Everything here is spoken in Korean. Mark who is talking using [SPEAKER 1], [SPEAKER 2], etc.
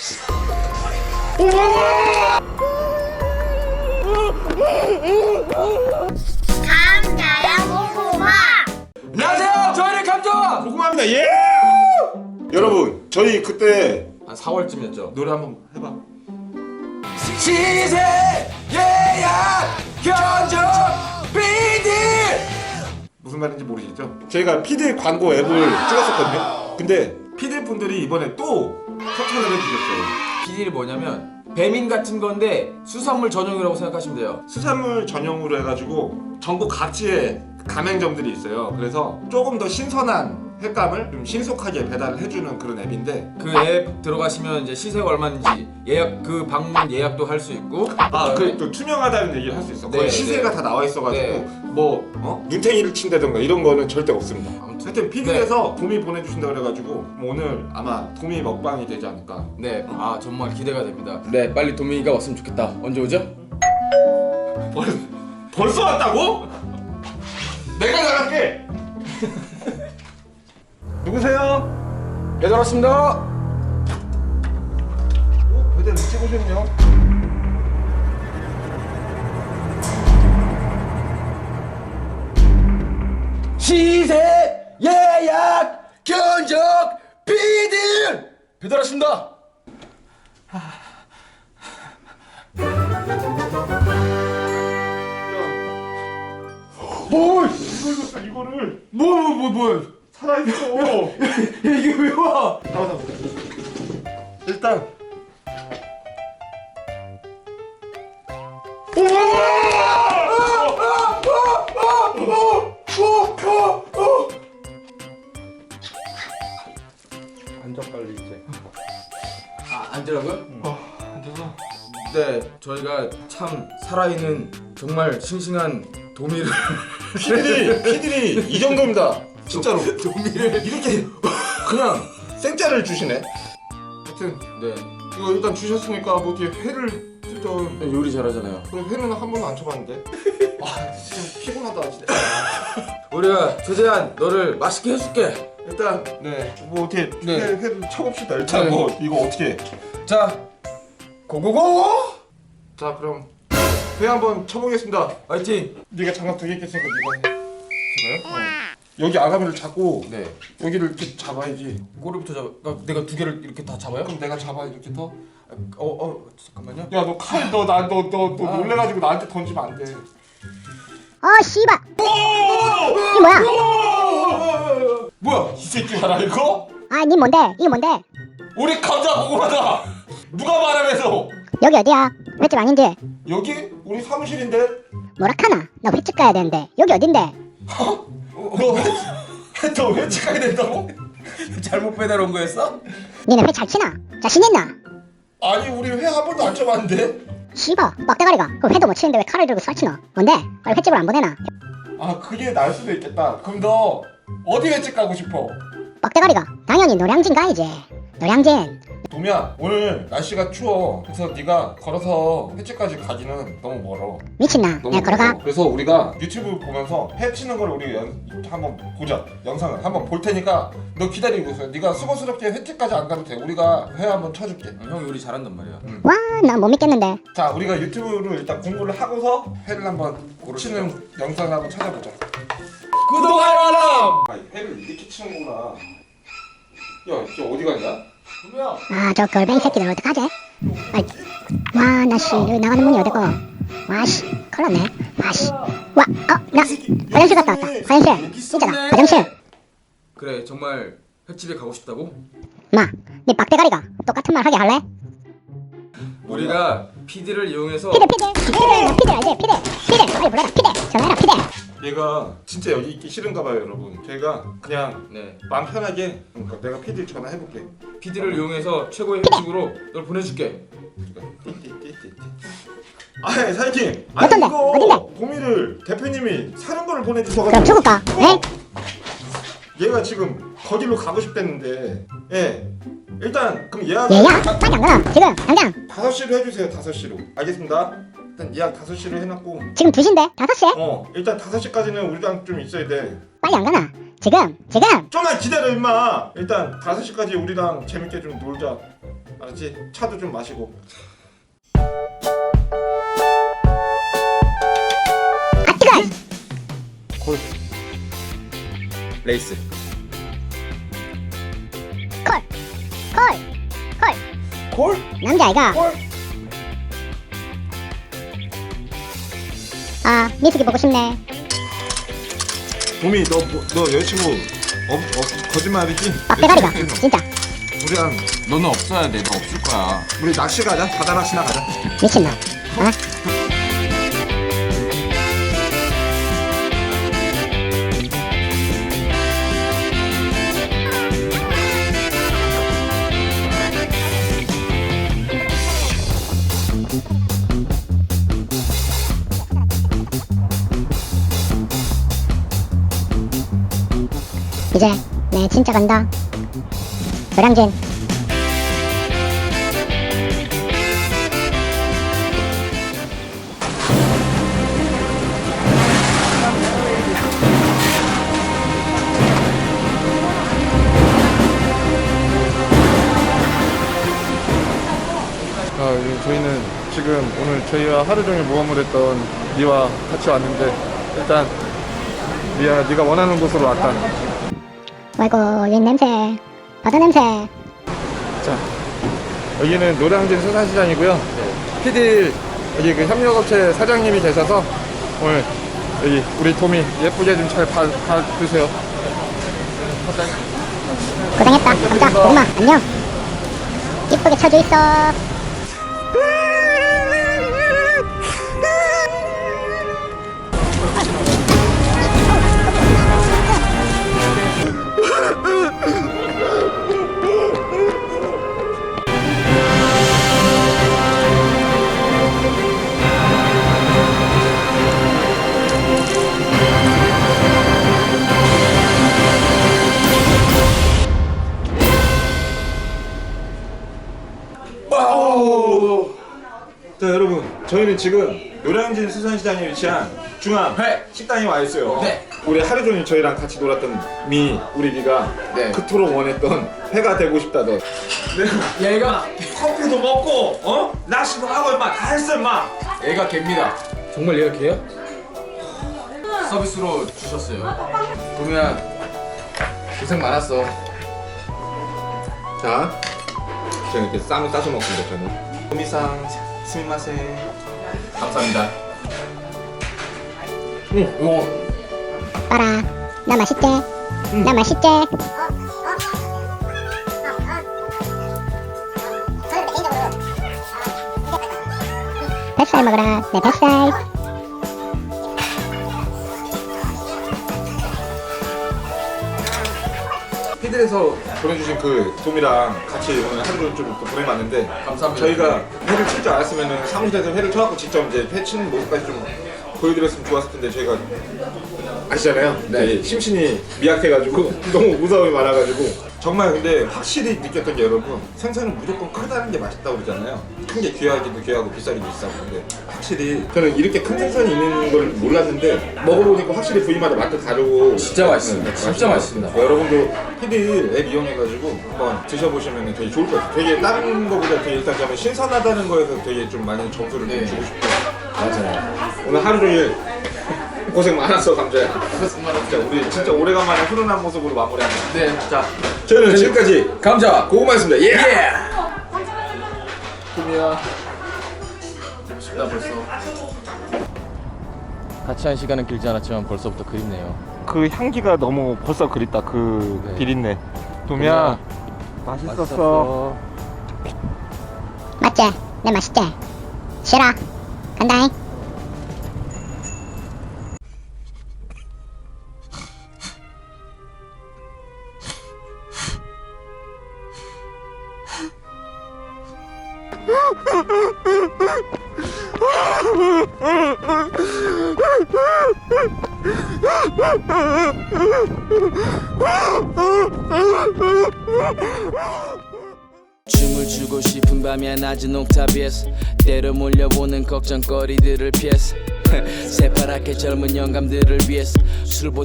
[SPEAKER 1] 감자야 고구마.
[SPEAKER 2] 안녕하세요. 저희는 감자
[SPEAKER 3] 고구마입니다. 예! 여러분, 저희 그때
[SPEAKER 2] 한 4월쯤이었죠.
[SPEAKER 3] 노래 한번 해봐.
[SPEAKER 2] 시세 예약 견적 비디.
[SPEAKER 3] 무슨 말인지 모르시죠? 저희가 피드 광고 앱을 찍었었거든요. 근데 피드 분들이 이번에 또 협찬을 해주셨어요.
[SPEAKER 2] 비디를 뭐냐면 배민 같은 건데 수산물 전용이라고 생각하시면 돼요.
[SPEAKER 3] 수산물 전용으로 해가지고 전국 각지에 가맹점들이 있어요. 그래서 조금 더 신선한 횟감을 좀 신속하게 배달을 해주는 그런 앱인데,
[SPEAKER 2] 그 앱 들어가시면 이제 시세가 얼마인지 예약, 그 방문 예약도 할 수 있고,
[SPEAKER 3] 또 투명하다는 얘기를 할 수 있어.
[SPEAKER 2] 네,
[SPEAKER 3] 거의 시세가
[SPEAKER 2] 네.
[SPEAKER 3] 다 나와 있어가지고
[SPEAKER 2] 네.
[SPEAKER 3] 뭐 눈탱이를 친다던가 이런 거는 절대 없습니다.
[SPEAKER 2] 아무튼
[SPEAKER 3] 하여튼 피드에서 도미 보내주신다 그래가지고 뭐 오늘 아마 도미 먹방이 되지 않을까.
[SPEAKER 2] 네, 아 정말 기대가 됩니다. 네, 빨리 도민이가 왔으면 좋겠다. 언제 오죠?
[SPEAKER 3] 벌써 왔다고? 내가 나갈게. 누구세요?
[SPEAKER 2] 배달 왔습니다.
[SPEAKER 3] 배달 일찍 오셨네요.
[SPEAKER 2] 시세 예약 견적 비디 배달 왔습니다.
[SPEAKER 3] 뭘? 이걸 줬어, 이거를.
[SPEAKER 2] 뭐
[SPEAKER 3] 살아있어.
[SPEAKER 2] 이게 왜 와?
[SPEAKER 3] 나와. 일단 앉아 빨리 이제.
[SPEAKER 2] 아, 앉으라고요?
[SPEAKER 3] 앉아서.
[SPEAKER 2] 네, 저희가 참 살아있는 정말 싱싱한 도미를
[SPEAKER 3] 피디리 이 정도입니다. 진짜로.
[SPEAKER 2] 도미를
[SPEAKER 3] 이렇게 그냥 생짜를 주시네. 하여튼
[SPEAKER 2] 네,
[SPEAKER 3] 이거 일단 주셨으니까 뭐 어떻게 회를 좀.
[SPEAKER 2] 요리 잘하잖아요.
[SPEAKER 3] 그래, 회는 한 번도 안 쳐봤는데. 아 진짜 피곤하다 진짜.
[SPEAKER 2] 우리가 최대한 너를 맛있게 해줄게.
[SPEAKER 3] 일단
[SPEAKER 2] 네,
[SPEAKER 3] 뭐 어떻게
[SPEAKER 2] 네.
[SPEAKER 3] 회를 쳐봅시다. 일단
[SPEAKER 2] 네.
[SPEAKER 3] 뭐 이거 어떻게.
[SPEAKER 2] 자, 고고고!
[SPEAKER 3] 자 그럼 회 한번 쳐보겠습니다.
[SPEAKER 2] 화이팅!
[SPEAKER 3] 네가 장갑 2개 꼈으니까 네가 해. 제가요? 여기 아가미를 잡고
[SPEAKER 2] 네,
[SPEAKER 3] 여기를 이렇게 잡아야지.
[SPEAKER 2] 꼬리부터 잡아. 내가 두 개를 이렇게 다 잡아요?
[SPEAKER 3] 그럼 내가 잡아 이렇게 더.
[SPEAKER 2] 잠깐만요.
[SPEAKER 3] 야 너 칼 너 놀래가지고 나한테 던지면 안 돼.
[SPEAKER 1] 씨발. 이게 뭐야?
[SPEAKER 2] 뭐야?
[SPEAKER 3] 이 새끼 알아 이거?
[SPEAKER 1] 니 뭔데? 이게 뭔데?
[SPEAKER 3] 우리 감자 고구마다. 누가 말하면서?
[SPEAKER 1] 여기 어디야? 횟집 아닌지?
[SPEAKER 3] 여기 우리 사무실인데.
[SPEAKER 1] 뭐라카나? 나 횟집 가야 되는데. 여기 어딘데?
[SPEAKER 3] 너 횟집 가야 된다고?
[SPEAKER 2] 잘못 배달 온 거였어?
[SPEAKER 1] 니네 회 잘 치나? 자신 있나?
[SPEAKER 3] 아니 우리 회 한 번도 안 쳐봤는데.
[SPEAKER 1] 씨발 빡대가리가 그 회도 못 치는데 왜 칼을 들고 쏴치노? 뭔데? 빨리 횟집을 안 보내나?
[SPEAKER 3] 아 그게 날 수도 있겠다. 그럼 너 어디 횟집 가고 싶어?
[SPEAKER 1] 빡대가리가 당연히 노량진 가야지. 노량진.
[SPEAKER 3] 도미야 오늘 날씨가 추워. 그래서 네가 걸어서 횟집까지 가기는 너무 멀어.
[SPEAKER 1] 미친나?
[SPEAKER 3] 너무
[SPEAKER 1] 내가 걸어가?
[SPEAKER 3] 멀어. 그래서 우리가 유튜브 보면서 회 치는 걸 우리 한번 보자. 영상을 한번 볼 테니까 너 기다리고 있어. 네가 수고스럽게 횟집까지 안 가도 돼. 우리가 회 한번 쳐줄게.
[SPEAKER 2] 형 요리 잘한단 말이야.
[SPEAKER 1] 와, 나 못 믿겠는데.
[SPEAKER 3] 자 우리가 유튜브를 일단 공부를 하고서 회를 한번 치는 영상을 한번 찾아보자.
[SPEAKER 2] 구독 알람!
[SPEAKER 3] 아 회를 이렇게 치는구나. 야 저 어디 갔냐?
[SPEAKER 2] 도미야.
[SPEAKER 1] 저 걸뱅이 새끼들 어떡하지? 와, 나 씨, 여기 나가는 문이 어디고? 와, 씨, 큰일 났네. 와, 씨. 와, 나 화장실 갔다 왔다. 화장실. 진짜다, 화장실.
[SPEAKER 2] 그래, 정말 횟집에 가고 싶다고?
[SPEAKER 1] 마, 네 빡대가리가 똑같은 말 하게 할래?
[SPEAKER 2] 우리가 PD를 이용해서
[SPEAKER 1] 피대 알지? 피대 빨리 불러라. 피대 전화해라. 피대.
[SPEAKER 3] 얘가 진짜 여기 있기 싫은가 봐요 여러분. 제가 그냥
[SPEAKER 2] 네,
[SPEAKER 3] 마음 편하게 내가 PD 전화해볼게.
[SPEAKER 2] PD를 이용해서 최고의 횟집으로 널 보내줄게.
[SPEAKER 3] 아니 사장님,
[SPEAKER 1] 어떤데?
[SPEAKER 3] 이거
[SPEAKER 1] 어딘데?
[SPEAKER 3] 도미를 대표님이 사는 거를
[SPEAKER 1] 그럼
[SPEAKER 3] 보내주셔가지고
[SPEAKER 1] 죽을까? 에?
[SPEAKER 3] 얘가 지금 거기로 가고 싶댔는데, 예 일단 그럼 예약
[SPEAKER 1] 얘야? 빨리 안 가나? 지금 당장.
[SPEAKER 3] 5시로 해주세요. 5시로. 알겠습니다. 일단 예약 5시로 해놨고,
[SPEAKER 1] 지금 2시인데 5시에?
[SPEAKER 3] 일단 5시까지는 우리랑 좀 있어야 돼.
[SPEAKER 1] 빨리 안 가나? 지금
[SPEAKER 3] 좀만 기다려 임마. 일단 5시까지 우리랑 재밌게 좀 놀자. 알았지? 차도 좀 마시고.
[SPEAKER 1] 아 뜨거!
[SPEAKER 2] 콜. 레이스.
[SPEAKER 1] 콜! 콜! 콜!
[SPEAKER 3] 콜?
[SPEAKER 1] 남자아이가
[SPEAKER 3] 콜?
[SPEAKER 1] 아 미숙이 보고 싶네.
[SPEAKER 3] 봄이 너 여자친구 거짓말이지?
[SPEAKER 1] 빡대가리가 진짜
[SPEAKER 3] 우리랑
[SPEAKER 2] 너는 없어야 돼. 너 없을 거야.
[SPEAKER 3] 우리 낚시 가자. 바다 낚시나 가자.
[SPEAKER 1] 미친놈. 어? 이제 내 진짜 간다. 노량진.
[SPEAKER 4] 저희는 지금 오늘 저희와 하루 종일 모험을 했던 니와 같이 왔는데 일단 니야 네가 원하는 곳으로 왔다.
[SPEAKER 1] 아이고 이 냄새. 바다 냄새.
[SPEAKER 4] 자 여기는 노량진 수산시장이고요. PD 여기 그 협력업체 사장님이 계셔서 오늘 여기 우리 도미 예쁘게 좀 잘 봐주세요.
[SPEAKER 1] 고생했다. 감자 고구마 안녕. 이쁘게 쳐져 있어.
[SPEAKER 3] 자 여러분, 저희는 지금 노량진 수산시장에 위치한 중앙 식당에 와 있어요.
[SPEAKER 2] 네.
[SPEAKER 3] 우리 하루 종일 저희랑 같이 놀았던 우리 미가
[SPEAKER 2] 네.
[SPEAKER 3] 그토록 원했던 회가 되고 싶다던.
[SPEAKER 2] 얘가
[SPEAKER 3] 커피도 먹고 낚시도 하고 임마 다 했어 임마.
[SPEAKER 2] 얘가 개입니다. 정말 얘가 개야? 서비스로 주셨어요. 도미야 고생 많았어.
[SPEAKER 3] 자, 저는 이렇게 쌈을 싸서 먹습니다. 저는 도미상 스미마세.
[SPEAKER 2] 감사합니다.
[SPEAKER 1] 봐라. 나 맛있지? 나 맛있지? 뱃살 먹어라. 내 뱃살.
[SPEAKER 3] 피들에서 보내주신 그 도미랑 같이 오늘 하루 좀 보내봤는데
[SPEAKER 2] 감사합니다.
[SPEAKER 3] 저희가 회를 칠 줄 알았으면 사무실에서 회를 쳐갖고 직접 이제 회 치는 모습까지 좀 보여드렸으면 좋았을 텐데 저희가 아시잖아요.
[SPEAKER 2] 네.
[SPEAKER 3] 심신이 미약해가지고 너무 무서움이 많아가지고 정말 근데 확실히 느꼈던 게 여러분 생선은 무조건 크다는 게 맛있다고 그러잖아요. 큰 게 귀하기도 귀하고 비싸기도 비싸고 근데 확실히 저는 이렇게 큰 생선이 있는 걸 몰랐는데 먹어보니까 확실히 부위마다 맛도 다르고
[SPEAKER 2] 진짜 맛있습니다. 진짜 맛있습니다.
[SPEAKER 3] 여러분도 피디 앱 이용해가지고 한번 드셔보시면 되게 좋을 것 같아요. 되게 다른 거보다 되게 일단 저는 신선하다는 거에서 되게 좀 많이 점수를 좀 주고 싶어요. 맞아요. 오늘 하루 종일 고생 많았어 감자야. 진짜 우리 진짜 오래간만에 훈훈한 모습으로 마무리합니다.
[SPEAKER 2] 네, 자
[SPEAKER 3] 저희는 지금까지
[SPEAKER 2] 감자
[SPEAKER 3] 고구마였습니다. 예!
[SPEAKER 2] 도미야 보고 싶다 벌써.
[SPEAKER 5] 같이 한 시간은 길지 않았지만 벌써부터 그립네요.
[SPEAKER 4] 그 향기가 너무 벌써 그립다. 그
[SPEAKER 5] 네.
[SPEAKER 4] 비린내. 도미야 맛있었어.
[SPEAKER 1] 맞지? 내 맛있지? 싫어. 간다잉.
[SPEAKER 6] 춤을 추고 싶은 밤이야 낮은 옥탑에서 때로 몰려오는 걱정거리들을 피해서 새파랗게 젊은 영감들을 위해서 술